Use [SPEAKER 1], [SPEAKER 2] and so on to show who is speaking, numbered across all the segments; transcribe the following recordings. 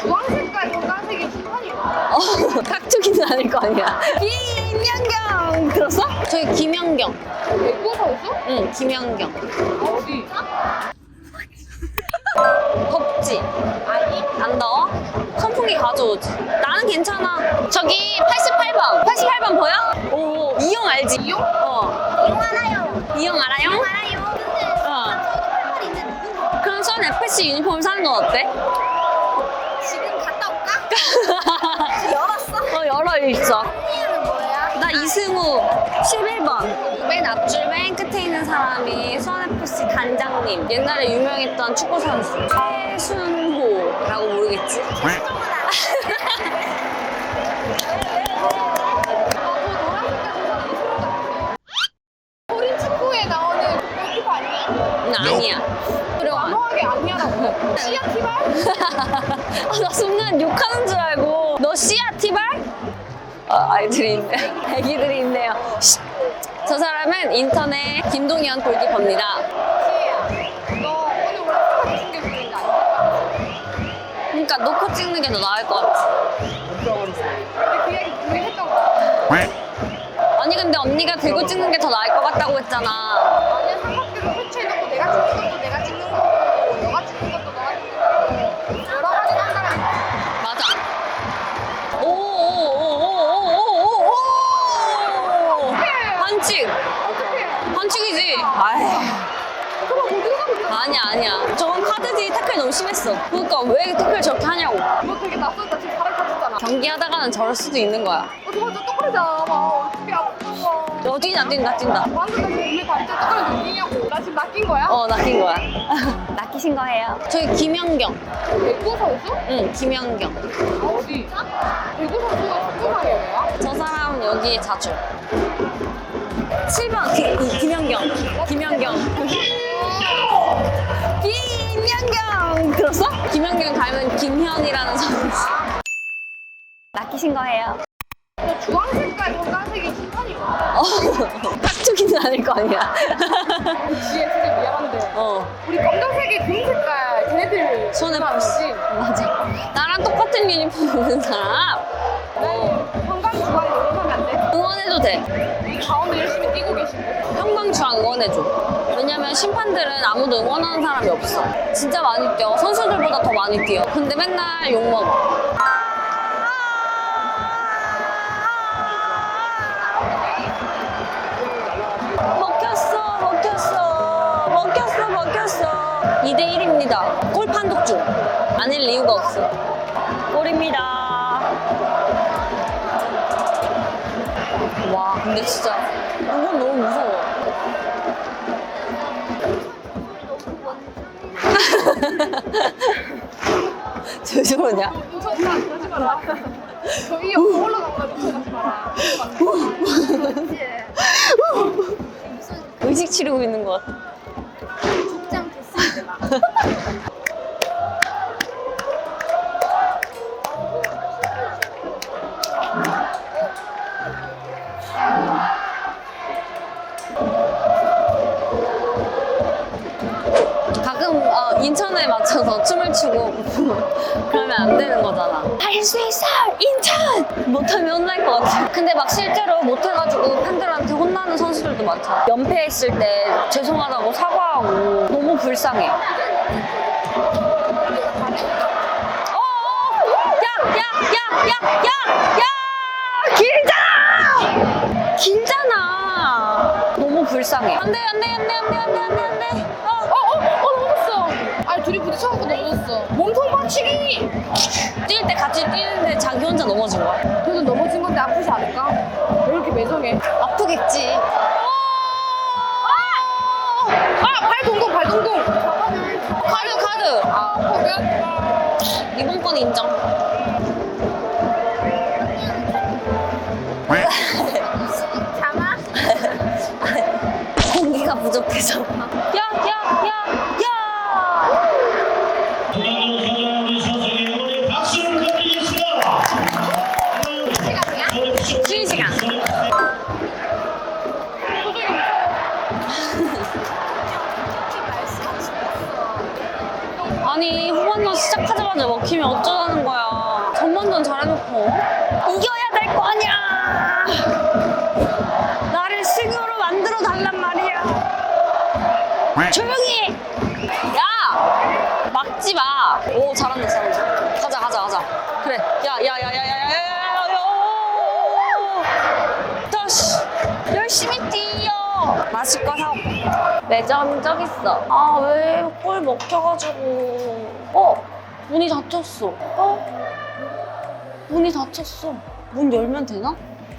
[SPEAKER 1] 주황색깔 검정색이 심판이고.
[SPEAKER 2] 깍두기는 아닐 거 아니야. 김연경 들었어? 저기 김연경.
[SPEAKER 1] 배구 선수?
[SPEAKER 2] 응, 김연경.
[SPEAKER 1] 어디?
[SPEAKER 2] 덥지? 아니. 안 더워? 선풍기 가져오지. 나는 괜찮아. 저기 88번. 88번 보여? 오, 이용 알지?
[SPEAKER 1] 이용?
[SPEAKER 2] 어.
[SPEAKER 3] 이용 알아요.
[SPEAKER 2] 이용 알아요?
[SPEAKER 3] 알아요. 근데
[SPEAKER 2] 어.
[SPEAKER 3] 저도 팔팔 있는데
[SPEAKER 2] 그럼 선 FC 유니폼 사는 건 어때?
[SPEAKER 3] 지금 갔다 올까? 열었어?
[SPEAKER 2] 어, 열어 있어.
[SPEAKER 3] 언니는 뭐야?
[SPEAKER 2] 나 이승우 11번. 맨 앞줄 맨 끝에 있는 사람이 수원FC 단장님. 옛날에 유명했던 축구 선수 최순호라고 모르겠지?
[SPEAKER 1] 어린 축구에 나오는 골키퍼 아니야?
[SPEAKER 2] 아니야. 그리고
[SPEAKER 1] 단호하게 아니야라고. 씨야 티발?
[SPEAKER 2] 나 순간 욕하는 줄 알고. 너 씨야 티발? 아이들이 있네. 애기들이 있네요. 쉿. 저 사람은 인터넷 김동현 골키퍼입니다.
[SPEAKER 1] 씨야. 너 오늘 원래 축구 챙겨주는 거 아니야?
[SPEAKER 2] 그러니까 놓고 찍는 게 더 나을 것 같아.
[SPEAKER 1] 근데 그 얘기 우리 했던 거야.
[SPEAKER 2] 아니 근데 언니가 들고 찍는 게 더 나을 것 같다고 했잖아.
[SPEAKER 1] 아니야 삼각대로 설치해놓고 내가 찍는 것도 내가 찍는 거고 너가 찍는 것도 너가 찍는 거고 여러 가지 한다면
[SPEAKER 2] 맞아. 오오오오오오오오 반칙.
[SPEAKER 1] 어떡해.
[SPEAKER 2] 반칙이지. 아이.
[SPEAKER 1] 그럼 어디서 가고 있어?
[SPEAKER 2] 아니야. 저건 카드지. 태클 너무 심했어. 그러니까 왜 태클 저렇게 하냐고.
[SPEAKER 1] 너 되게 낯설다 지금 발을 다쳤잖아.
[SPEAKER 2] 경기하다가는 저럴 수도 있는 거야.
[SPEAKER 1] 맞아 똑그러잖아. 막 어떻게 아픈 거.
[SPEAKER 2] 너 뛰나.
[SPEAKER 1] 방금 나 지금 몸에 발대 똑그려 느끼냐고. 나 지금 낚인 거야?
[SPEAKER 2] 낚인 거야. 낚이신 거예요. 저기 김연경.
[SPEAKER 1] 배구 선수?
[SPEAKER 2] 응, 김연경.
[SPEAKER 1] 어디? 배구 선수가 축구상이 뭐야?
[SPEAKER 2] 저 사람은 여기에 자주. 7번 김연경. 김연경. 김연경 들었어? 김연경 닮은 김현이라는 선수. 낚이신 거예요.
[SPEAKER 1] 너 주황색깔 검정색이 심판이고.
[SPEAKER 2] 깍두기는 아닐 거 아니야.
[SPEAKER 1] 지혜 진짜 미안한데. 우리 검정색이 금색깔 걔네들
[SPEAKER 2] 손에
[SPEAKER 1] 없이.
[SPEAKER 2] 맞아. 나랑 똑같은 유니폼 입는 사람
[SPEAKER 1] 형광주황 응원하면 안 돼?
[SPEAKER 2] 응원해도 돼.
[SPEAKER 1] 이 가운데 열심히 뛰고 계신데.
[SPEAKER 2] 형광주황 응원해줘. 왜냐면 심판들은 아무도 응원하는 사람이 없어. 진짜 많이 뛰어. 선수들보다 더 많이 뛰어. 근데 맨날 욕먹어. 먹혔어. 2대1입니다. 골 판독 중. 아닐 이유가 없어. 골입니다. 와, 근데 진짜 이건 너무 무서워. 왜 저러냐?
[SPEAKER 1] 그러지 마라. 저희 옆으로 올라가가지고 그러지 마라.
[SPEAKER 2] 의식 치르고 있는 것 같아.
[SPEAKER 3] 복장 됐습니다.
[SPEAKER 2] 가끔 인천에 맞춰서 춤을 추고 그러면 안 되는 거잖아. 할 수 있어! 인천! 못하면 혼날 것 같아. 근데 막 실제로 못해가지고 팬들한테 혼나는 선수들도 많잖아. 연패했을 때 죄송하다고 사과하고 너무 불쌍해. 야! 길잖아! 너무 불쌍해. 안 돼.
[SPEAKER 1] 넘어졌어. 아니 둘이 부딪혀갖고 넘어졌어. 몸통 받치기.
[SPEAKER 2] 뛸 때 같이 뛰는데 자기 혼자 넘어진 거야.
[SPEAKER 1] 그래도 넘어진 건데 아프지 않을까? 왜 이렇게 매정해?
[SPEAKER 2] 아프겠지.
[SPEAKER 1] 발 동동.
[SPEAKER 2] 카드.
[SPEAKER 1] 포기한.
[SPEAKER 2] 이번 건 인정.
[SPEAKER 3] 잠아?
[SPEAKER 2] 공기가 부족해서. 야! 쉬는 시간. 아니 후반전 시작하자마자 초반에 먹히면 어쩌자는 거야. 전반전 잘해놓고 이겨야 될 거 아니야. 나를 승으로 만들어 달란 말이야. 조용히 해. 야 막지 마. 오 잘한다 잘한다. 가자 그래. 야야야야야야야야. 다시 열심히 뛰어. 마실 거 사고. 매점 저기 있어. 아 왜 꼴 먹혀가지고. 문이 닫혔어. 문이 닫혔어. 문 열면 되나?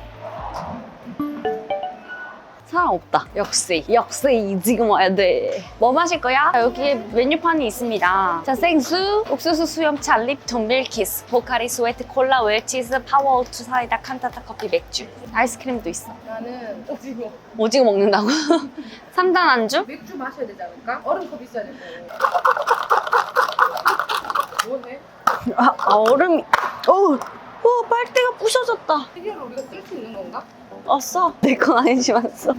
[SPEAKER 2] 사람 없다. 역시 지금 와야 돼. 뭐 마실 거야? 여기에 메뉴판이 있습니다. 자, 생수, 옥수수 수염차, 립톤, 밀키스, 포카리, 스웨트, 콜라, 웰치즈, 파워오트, 사이다, 칸타타 커피, 맥주. 아이스크림도 있어.
[SPEAKER 1] 나는 오징어.
[SPEAKER 2] 오징어 먹는다고? 3단 안주?
[SPEAKER 1] 맥주 마셔야 되지 않을까? 얼음컵 있어야 될 거고. 뭐해?
[SPEAKER 2] 얼음이. 빨대가 부셔졌다.
[SPEAKER 1] 시계를 우리가 쓸 수 있는 건가?
[SPEAKER 2] 써. 내 건 아니지만 써.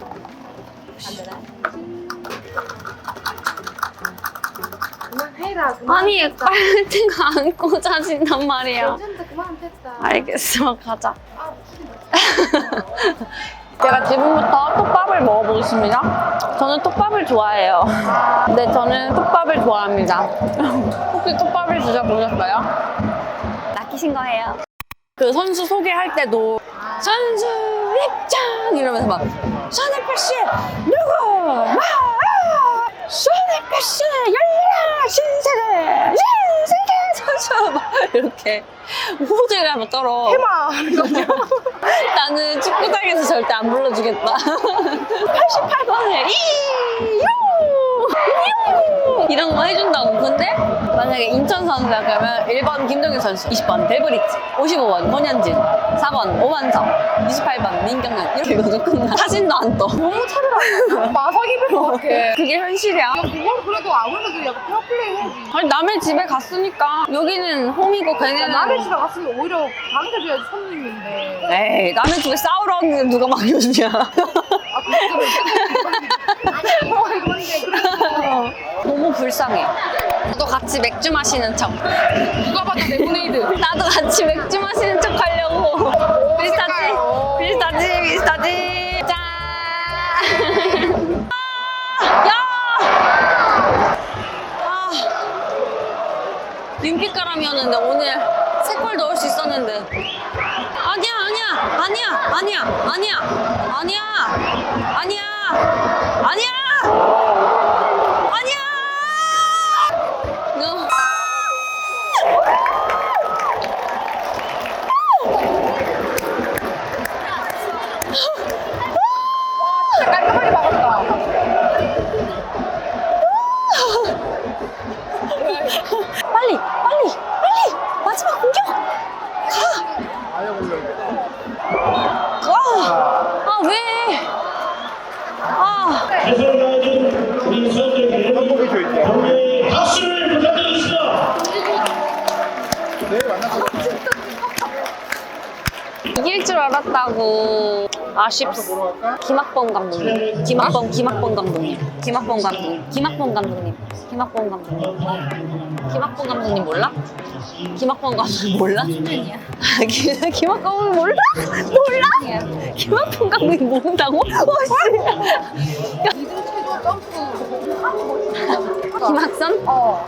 [SPEAKER 1] 그만해라.
[SPEAKER 2] 아니, 빨대가 안 꽂아진단 말이야.
[SPEAKER 1] 어쩐다 그만 됐다.
[SPEAKER 2] 알겠어, 가자.
[SPEAKER 1] 아,
[SPEAKER 2] 제가 지금부터 톱밥을 먹어보겠습니다. 저는 톱밥을 좋아해요. 네, 저는 톱밥을 좋아합니다. 혹시 톱밥을 드셔보셨어요? 낚이신 거예요. 그 선수 소개할 때도 선수 입장 이러면서 막 손흥민 씨 누구? 손흥민 씨 열려라 신세계 선수 막 이렇게 호들갑을 한번 떨어.
[SPEAKER 1] 해마.
[SPEAKER 2] 나는 축구장에서 절대 안 불러주겠다. 88번을 이유 이런 거 해준다고. 근데 만약에 인천 선수야 그러면 1번 김동현 선수, 20번 델브리츠, 55번 권현진, 4번 오만석, 28번 민경현 이렇게 읽어줘 끝나. 사진도 안 떠.
[SPEAKER 1] 너무 차더라. 마석입을 것 같아.
[SPEAKER 2] 그게 현실이야.
[SPEAKER 1] 야, 그걸 그래도 아무래도 약간 페어플레이 해야지.
[SPEAKER 2] 아니 남의 집에 갔으니까 여기는 홈이고 걔네는
[SPEAKER 1] 남의 집에 갔으면 오히려 반겨줘야지 손님인데.
[SPEAKER 2] 에이 남의 집에 싸우러 왔는데 누가 맡겨주냐.
[SPEAKER 1] 아, 그거는 아니, 그런데 그래도
[SPEAKER 2] 너무 불쌍해. 너도 같이 맥주 마시는 척.
[SPEAKER 1] 누가 봐도 레모네이드.
[SPEAKER 2] 나도 같이 맥주 마시는 척 하려고. 비슷하지. 짠. 야! 윤빛가람이었는데 오늘 3골 넣을 수 있었는데. 아니야. 너.
[SPEAKER 1] 깔끔하게 막았다.
[SPEAKER 2] 빨리 마지막 공격 가. 왜?
[SPEAKER 4] 최선을 다해준 우리 선수에게 경례의 박수를 부탁드리겠습니다.
[SPEAKER 2] 이길 줄 알았다고. 아쉽소. 김학범 감독님. 김학범 감독님 몰라? 김학범 감독님 몰라? 김학범 몰라? 김학범 감독님 모른다고? 김학선?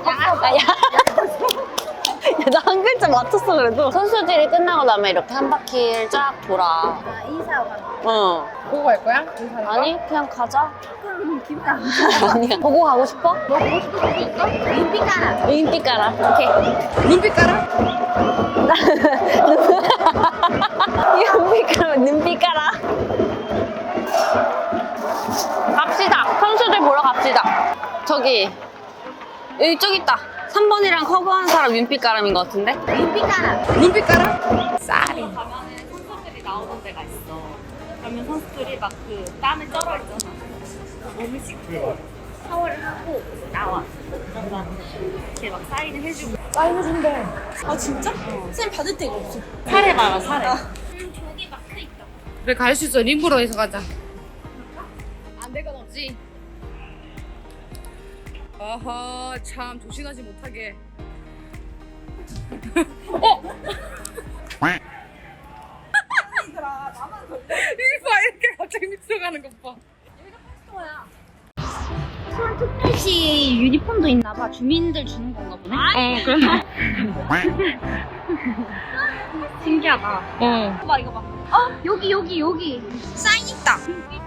[SPEAKER 2] 나 한 글자 맞췄어 그래도. 선수들이 끝나고 나면 이렇게 한 바퀴를 쫙 돌아.
[SPEAKER 3] 아, 인사하고 가는 거.
[SPEAKER 1] 보고 갈 거야?
[SPEAKER 2] 아니 그냥 가자.
[SPEAKER 3] 그럼 기분 안 좋아.
[SPEAKER 2] 아니야. 보고 가고 싶어?
[SPEAKER 1] 너 보고 싶은 거 있어?
[SPEAKER 3] 눈빛 깔아.
[SPEAKER 2] 인기 깔아. 오케이.
[SPEAKER 1] 눈빛 깔아?
[SPEAKER 2] 눈빛 깔아. 눈빛 깔아. 갑시다. 선수들 보러 갑시다. 저기 이쪽 있다. 3번이랑 커버한 사람 윤빛가람인 것 같은데?
[SPEAKER 3] 눈빛 깔아.
[SPEAKER 1] 눈빛 깔아?
[SPEAKER 2] 쌀이. 가면은 선수들이 나오는 데가 있어. 그러면 선수들이 막 그 땀에 쩔어 있잖아. 몸을 씻고 샤워를 하고 나와. 이렇게 막 사인을 해주고.
[SPEAKER 1] 사인해준대.
[SPEAKER 2] 아 진짜? 쌤 받을 데가 없어. 사례 봐라 사례.
[SPEAKER 3] 저기 마크 있다.
[SPEAKER 1] 그래 갈 수 있어. 림브로에서 가자. 안 될 건 없지. 어허 참 조심하지 못하게. 이봐 이렇게 갑자기 미쳐가는 것 봐.
[SPEAKER 3] 서울특별시 유니폼도 있나 봐. 주민들 주는 건가 보네.
[SPEAKER 1] 그래.
[SPEAKER 3] 신기하다.
[SPEAKER 1] 어.
[SPEAKER 3] 이거 봐. 여기. 사인 있다.